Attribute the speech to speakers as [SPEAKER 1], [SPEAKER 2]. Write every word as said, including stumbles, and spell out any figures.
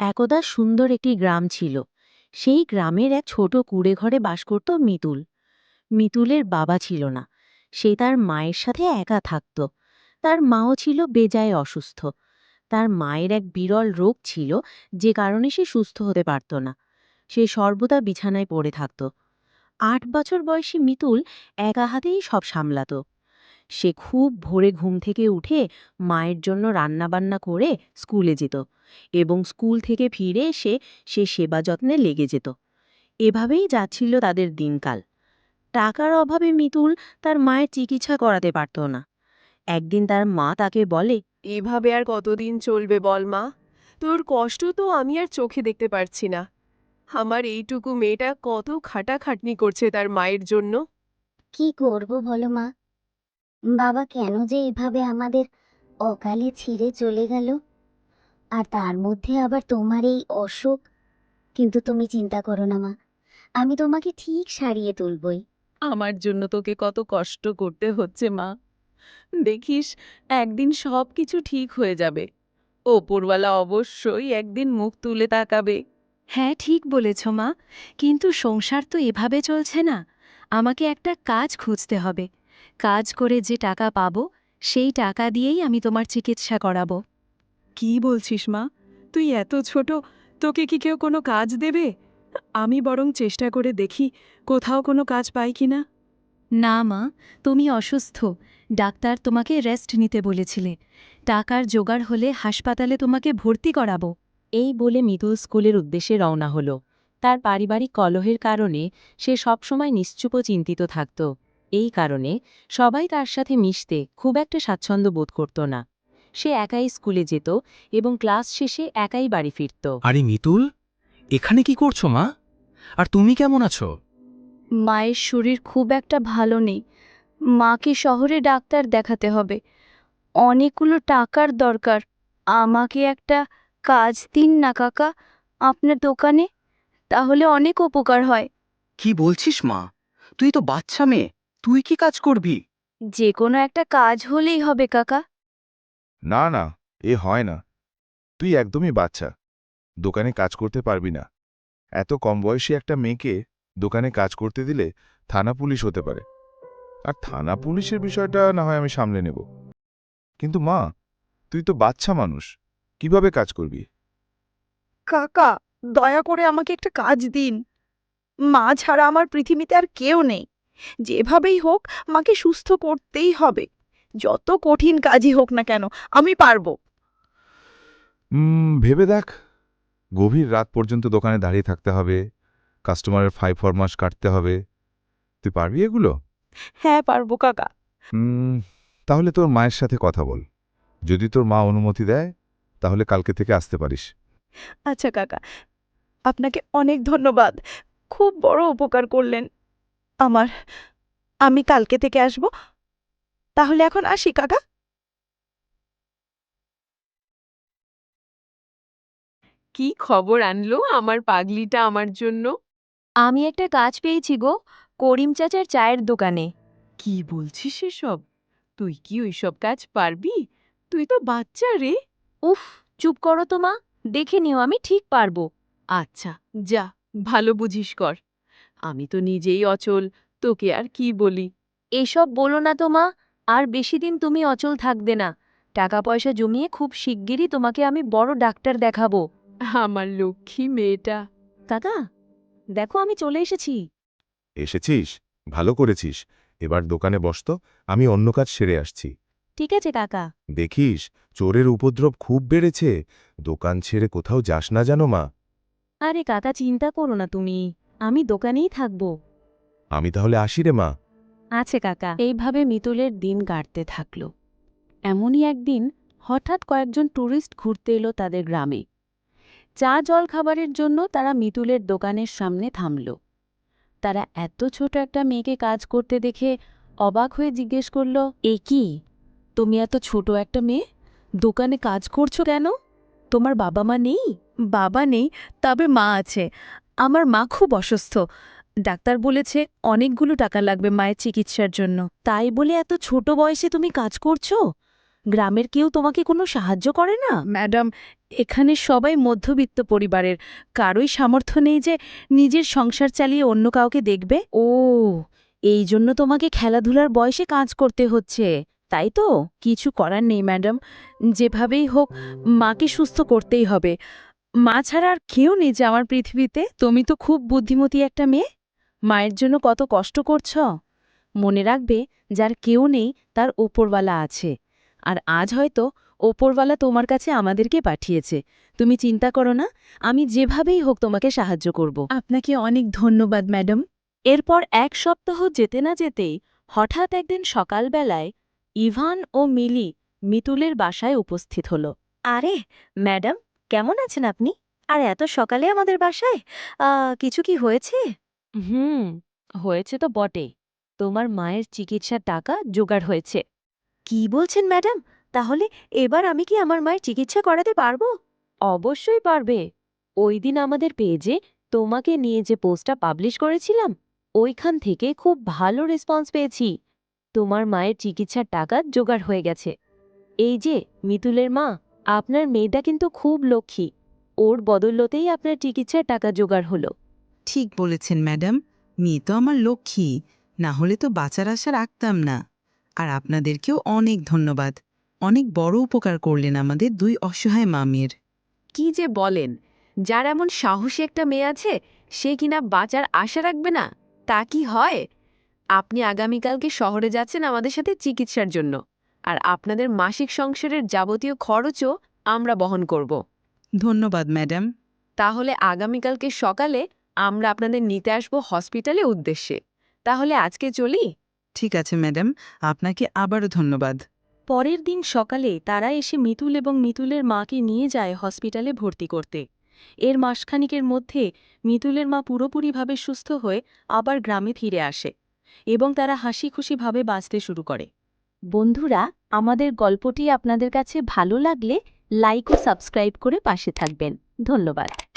[SPEAKER 1] একদা সুন্দর একটি গ্রাম ছিল। সেই গ্রামের এক ছোট কুঁড়ে ঘরে বাস করত মিতুল। মিতুলের বাবা ছিল না। সে তার মায়ের সাথে একা থাকত। তার মাও ছিল বেজায় অসুস্থ। তার মায়ের এক বিরল রোগ ছিল, যে কারণে সে সুস্থ হতে পারত না। সে সর্বদা বিছানায় পড়ে থাকত। আট বছর বয়সী মিতুল একা হাতেই সব সামলাত। সে খুব ভোরে ঘুম থেকে উঠে মায়ের জন্য রান্নাবান্না করে স্কুলে যেত, এবং স্কুল থেকে ফিরে এসে সে সেবা যত্নে লেগে যেত। এভাবেই যাচ্ছিল তাদের দিনকাল। টাকার অভাবে মিতুল তার মায়ের চিকিৎসা করাতে পারত না। একদিন তার মা তাকে বলে,
[SPEAKER 2] এভাবে আর কতদিন চলবে বল মা? তোর কষ্ট তো আমি আর চোখে দেখতে পারছি না। আমার এইটুকু মেয়েটা কত খাটাখাটনি করছে তার মায়ের জন্য।
[SPEAKER 3] কি করব বলো মা? বাবা কেন যে এভাবে আমাদের অকালে ছিঁড়ে চলে গেল, আর তার মধ্যে আবার তোমার এই অসুখ। কিন্তু তুমি চিন্তা করো না মা, আমি তোমাকে ঠিক সারিয়ে তুলবই।
[SPEAKER 2] আমার জন্য তোকে কত কষ্ট করতে হচ্ছে মা। দেখিস, একদিন সব কিছু ঠিক হয়ে যাবে। ওপরওয়ালা অবশ্যই একদিন মুখ তুলে তাকাবে।
[SPEAKER 4] হ্যাঁ, ঠিক বলেছ মা। কিন্তু সংসার তো এভাবে চলছে না। আমাকে একটা কাজ খুঁজতে হবে। কাজ করে যে টাকা পাবো, সেই টাকা দিয়েই আমি তোমার চিকিৎসা করাবো।
[SPEAKER 2] কি বলছিস মা? তুই এত ছোট, তোকে কি কেউ কোনো কাজ দেবে? আমি বরং চেষ্টা করে দেখি কোথাও কোনো কাজ পাই কিনা।
[SPEAKER 4] না মা, তুমি অসুস্থ। ডাক্তার তোমাকে রেস্ট নিতে বলেছিলে। টাকার জোগাড় হলে হাসপাতালে তোমাকে ভর্তি করাবো।
[SPEAKER 1] এই বলে মিতুল স্কুলের উদ্দেশ্যে রওনা হল। তার পারিবারিক কলহের কারণে সে সবসময় নিশ্চুপ ও চিন্তিত থাকত। এই কারণে সবাই তার সাথে মিশতে খুব একটা স্বাচ্ছন্দ্য বোধ করত না। সে একাই স্কুলে যেত এবং ক্লাস শেষে একাই বাড়ি ফিরত।
[SPEAKER 5] আরে মিতুল, এখানে কি করছো মা? আর তুমি কেমন আছো?
[SPEAKER 4] মায়ের শরীর খুব একটা ভালো নেই। মাকে শহরে ডাক্তার দেখাতে হবে। অনেকগুলো টাকার দরকার। আমাকে একটা কাজ দিন না কাকা, আপনার দোকানে। তাহলে অনেক উপকার হয়।
[SPEAKER 5] কি বলছিস মা? তুই তো বাচ্চা মেয়ে, তুই কি কাজ করবি?
[SPEAKER 4] যে কোনো একটা কাজ হলেই হবে কাকা।
[SPEAKER 6] না না, এ হয় না। তুই একদমই বাচ্চা, দোকানে কাজ করতে পারবি না। এত কম বয়সী একটা মেয়েকে দোকানে কাজ করতে দিলে থানা পুলিশ হতে পারে। আর থানা পুলিশের বিষয়টা না হয় আমি সামলে নেব, কিন্তু মা, তুই তো বাচ্চা মানুষ, কিভাবে কাজ করবি?
[SPEAKER 7] কাকা, দয়া করে আমাকে একটা কাজ দিন। মা ছাড়া আমার পৃথিবীতে আর কেউ নেই। যেভাবেই হোক মাকে সুস্থ করতেই হবে। যত কঠিন কাজই হোক না কেন, আমি পারবো।
[SPEAKER 6] হুম, ভেবে দেখ। গভীর রাত পর্যন্ত দোকানে দাঁড়িয়ে থাকতে হবে, কাস্টমারের ফাই ফরমাস কাটতে হবে। তুই পারবি এগুলো?
[SPEAKER 7] হ্যাঁ, পারবো কাকা।
[SPEAKER 6] হুম, তাহলে তোর মায়ের সাথে কথা বল। যদি তোর মা অনুমতি দেয় তাহলে কালকে থেকে আসতে পারিস।
[SPEAKER 7] আচ্ছা কাকা, আপনাকে অনেক ধন্যবাদ। খুব বড় উপকার করলেন আমার। আমি কালকে থেকে আসব। তাহলে এখন আসি কাকা।
[SPEAKER 2] কি খবর আনলো আমার পাগলিটা আমার জন্য?
[SPEAKER 4] আমি একটা কাজ পেয়েছি গো, করিম চাচার চায়ের দোকানে।
[SPEAKER 2] কি বলছিস এসব? তুই কি ওইসব কাজ পারবি? তুই তো বাচ্চা রে।
[SPEAKER 4] উফ, চুপ করো তো মা। দেখে নিও, আমি ঠিক পারবো।
[SPEAKER 2] আচ্ছা, যা, ভালো বুঝিস কর। আমি তো নিজেই অচল, তোকে আর কি বলি।
[SPEAKER 4] এসব বলো না তো মা। আর বেশি দিন তুমি অচল থাকবে না। টাকা পয়সা জমিয়ে খুব শিগগিরই তোমাকে আমি বড় ডাক্তার দেখাবো।
[SPEAKER 2] আমার লক্ষ্মী মেয়েটা।
[SPEAKER 4] কাকা, দেখো আমি চলে এসেছি।
[SPEAKER 6] এসেছিস? ভালো করেছিস। এবার দোকানে বসতো, আমি অন্য কাজ সেরে আসছি।
[SPEAKER 4] ঠিক আছে কাকা।
[SPEAKER 6] দেখিস, চোরের উপদ্রব খুব বেড়েছে। দোকান ছেড়ে কোথাও যাস না জানো মা।
[SPEAKER 4] আরে কাকা, চিন্তা করো না তুমি। আমি দোকানেই থাকবো।
[SPEAKER 6] আমি তাহলে আসি রে মা।
[SPEAKER 4] আছে কাকা।
[SPEAKER 1] এইভাবে মিতুলের দিন কাটতে থাকল। এমনই একদিন হঠাৎ কয়েকজন ট্যুরিস্ট ঘুরতে এলো তাদের গ্রামে। চা জল খাবারের জন্য তারা মিতুলের দোকানের সামনে থামল। তারা এত ছোট একটা মেয়েকে কাজ করতে দেখে অবাক হয়ে জিজ্ঞেস করল, এ কি, তুমি এত ছোট একটা মেয়ে দোকানে কাজ করছো কেন? তোমার বাবা মা নেই?
[SPEAKER 7] বাবা নেই, তবে মা আছে। আমার মা খুব অসুস্থ। ডাক্তার বলেছে অনেকগুলো টাকা লাগবে মায়ের চিকিৎসার জন্য।
[SPEAKER 1] তাই বলে এত ছোট বয়সে তুমি কাজ করছো? গ্রামের কেউ তোমাকে কোনো সাহায্য করে না?
[SPEAKER 2] ম্যাডাম, এখানে সবাই মধ্যবিত্ত পরিবারের, কারোই সামর্থ্য নেই যে নিজের সংসার চালিয়ে অন্য কাউকে দেখবে।
[SPEAKER 1] ও, এই জন্য তোমাকে খেলাধুলার বয়সে কাজ করতে হচ্ছে, তাই তো?
[SPEAKER 2] কিছু করার নেই ম্যাডাম, যেভাবেই হোক মাকে সুস্থ করতেই হবে। মা ছাড়া আর কেউ নেই যে আমার পৃথিবীতে। তুমি তো খুব বুদ্ধিমতী একটা মেয়ে, মায়ের জন্য কত কষ্ট করছ।
[SPEAKER 1] মনে রাখবে, যার কেউ নেই তার ওপরওয়ালা আছে, আর আজ হয়তো ওপরওয়ালা তোমার কাছে আমাদেরকে পাঠিয়েছে। তুমি চিন্তা করো না, আমি যেভাবেই হোক তোমাকে সাহায্য করব।
[SPEAKER 2] আপনাকে অনেক ধন্যবাদ ম্যাডাম।
[SPEAKER 1] এরপর এক সপ্তাহ যেতে না যেতেই হঠাৎ একদিন সকালবেলায় ইভান ও মিলি মিতুলের বাসায় উপস্থিত হল। আরে ম্যাডাম, কেমন আছেন আপনি? আর এত সকালে আমাদের বাসায় কিছু কি হয়েছে? হুম, হয়েছে তো বটে। তোমার মায়ের চিকিৎসার টাকা জোগাড় হয়েছে। কি বলছেন ম্যাডাম? তাহলে এবার আমি কি আমার মায়ের চিকিৎসা করাতে পারবো? অবশ্যই পারবে। ওই দিন আমাদের পেজে তোমাকে নিয়ে যে পোস্টটা পাবলিশ করেছিলাম, ওইখান থেকে খুব ভালো রেসপন্স পেয়েছি। তোমার মায়ের চিকিৎসার টাকা জোগাড় হয়ে গেছে। এই যে মিতুলের মা, আপনার মেয়েটা কিন্তু খুব লক্ষ্মী। ওর বদৌলতেই আপনার চিকিৎসার টাকা জোগাড় হলো।
[SPEAKER 8] ঠিক বলেছেন ম্যাডাম, মেয়ে তো আমার লক্ষ্মী, না হলে তো বাঁচার আশা রাখতাম না। আর আপনাদেরকেও অনেক ধন্যবাদ, অনেক বড় উপকার করলেন আমাদের দুই অসহায় মামের।
[SPEAKER 2] কি যে বলেন, যার এমন সাহসী একটা মেয়ে আছে সে কিনা বাঁচার আশা রাখবে না, তা কি হয়? আপনি আগামীকালকে শহরে যাচ্ছেন আমাদের সাথে চিকিৎসার জন্য, আর আপনাদের মাসিক সংসারের যাবতীয় খরচও আমরা বহন করব।
[SPEAKER 8] ধন্যবাদ ম্যাডাম।
[SPEAKER 2] তাহলে আগামীকালকে সকালে আমরা আপনাদের নিতে আসব হসপিটালে উদ্দেশ্যে। তাহলে আজকে চলি।
[SPEAKER 8] ঠিক আছে ম্যাডাম, আপনাকে আবারও ধন্যবাদ।
[SPEAKER 1] পরের দিন সকালে তারা এসে মিতুল এবং মিতুলের মাকে নিয়ে যায় হসপিটালে ভর্তি করতে। এর মাসখানিকের মধ্যে মিতুলের মা পুরোপুরিভাবে সুস্থ হয়ে আবার গ্রামে ফিরে আসে এবং তারা হাসি খুশিভাবে বাঁচতে শুরু করে। বন্ধুরা, আমাদের গল্পটি আপনাদের কাছে ভালো লাগলে লাইক ও সাবস্ক্রাইব করে পাশে থাকবেন। ধন্যবাদ।